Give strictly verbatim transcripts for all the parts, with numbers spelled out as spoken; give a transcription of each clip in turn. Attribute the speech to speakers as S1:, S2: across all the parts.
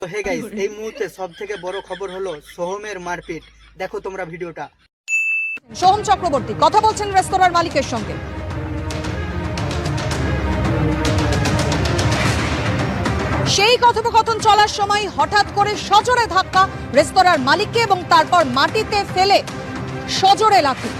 S1: তো hey guys, এই মুহূর্তে সবথেকে বড় খবর হলো সোহমের মারপিট। দেখো তোমরা ভিডিওটা।
S2: সোহম চক্রবর্তী কথা বলছেন রেস্তোরাঁর মালিকের সঙ্গে। সেই কথোপকথন চলার সময় হঠাৎ করে সজোরে ধাক্কা রেস্তোরাঁর মালিককে এবং তারপর মাটিতে ফেলে সজোরে লাথি।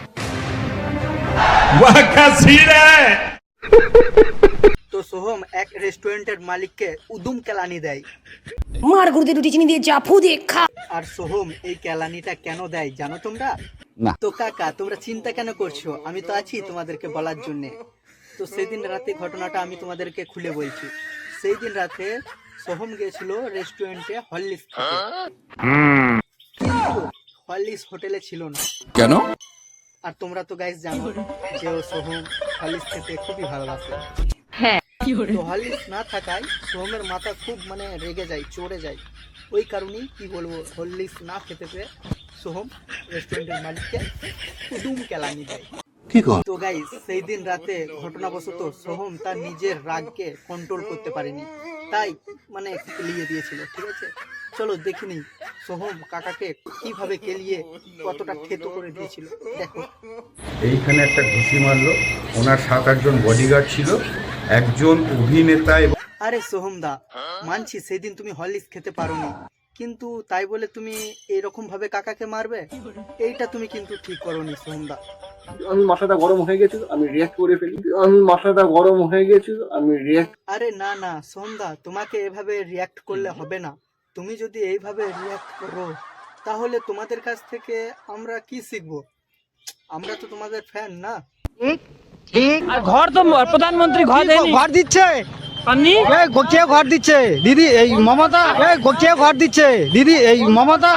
S1: তো সোহম এক রেস্টুরেন্টের মালিককে উদুম কেলানি দেয়।
S3: মার গুরুতে রুটি চিনি দিয়ে চাপু দিয়ে খা।
S1: আর সোহম এই কেলানিটা কেন দেয় জানো তোমরা?
S4: না।
S1: তো কাকা, তোমরা চিন্তা কেন করছো? আমি তো আছি তোমাদেরকে বলার জন্য। তো সেদিন রাতে ঘটনাটা আমি তোমাদেরকে খুলে বলছি। সেই দিন রাতে সোহম গিয়েছিল রেস্টুরেন্টে হরলিক্স খেতে, কিন্তু হরলিক্স হোটেলে ছিল না।
S4: কেন?
S1: আর তোমরা তো গাইস জানো যে ও সোহম হরলিক্স খেতে খুবই ভালোবাসে। তো হরলিক্স না থাকায় সোহমের মাথা খুব মানে রেগে যায়, চড়ে যায়। ওই কারণেই কি বলবো, হরলিক্স না খেতে পেয়ে সোহম রেস্টুরেন্টের মালিককে উদুম কেলানি দেয়। তো গাইস, সেই দিন রাতে ঘটনাবশত সোহম তার নিজের রাগকে কন্ট্রোল করতে পারেনি, তাই মানে কেলিয়ে দিয়েছিল। ঠিক আছে, চলো দেখিনি সোহম কাকাকে কিভাবে কেলিয়ে কতটা ক্ষেত করে দিয়েছিল। দেখো।
S5: এইখানে একটা ঘুষি মারলো, ওনার সাত আটজন বডিগার্ড ছিল, একজন অভিনেতা এবং
S1: আরে সোহম দা, মানছি সেদিন তুমি হরলিক্স খেতে পারোনি, কিন্তু তাই বলে তুমি এরকম ভাবে কাকাকে মারবে? এইটা তুমি কিন্তু ঠিক করোনি সোহম দা।
S6: আমি মাথাটা গরম হয়ে গেছিল, আমি রিয়াক্ট করে ফেলি। আমি মাথাটা গরম হয়ে গেছিল, আমি রিয়াক্ট
S1: আরে না না সোহম দা, তোমাকে এভাবে রিয়াক্ট করলে হবে না। তুমি যদি এইভাবে রিয়াক্ট করো তাহলে তোমাদের কাছ থেকে আমরা কি শিখবো? আমরা তো তোমাদের ফ্যান না।
S7: আর ঘর তো প্রধানমন্ত্রী ঘর দেয়নি,
S8: ঘর দিচ্ছে
S7: পাননি।
S8: এই গোকিয়া ঘর দিচ্ছে দিদি, এই মমতা। এই গোকিয়া ঘর দিচ্ছে দিদি, এই মমতা।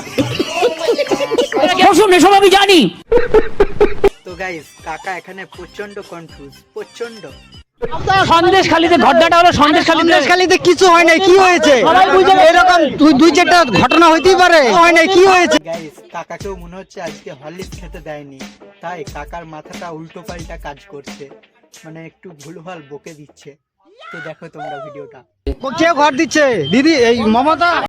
S7: এসব আমি জানি।
S1: তো গাইস, কাকা এখানে প্রচন্ড কনফিউজ, প্রচন্ড।
S7: সন্দেশ খালিতে ঘটনাটা হলো সন্দেশ খালিতে
S8: সন্দেশখালীতে কিছু হয় নাই, কি হয়েছে? এরকম দুই দুই চারটা ঘটনা হইতেই পারে। হয় নাই, কি হয়েছে?
S1: গাইস, কাকাকেও মনে হচ্ছে আজকে হরলিক্স খেতে দেয়নি, তাই কাকার মাথাটা উল্টো পাল্টা কাজ করছে, মানে একটু ভুলভাল বকে দিচ্ছে। তো দেখো তোমরা ভিডিওটা।
S8: গোকিয়া ঘর দিচ্ছে দিদি, এই মমতা।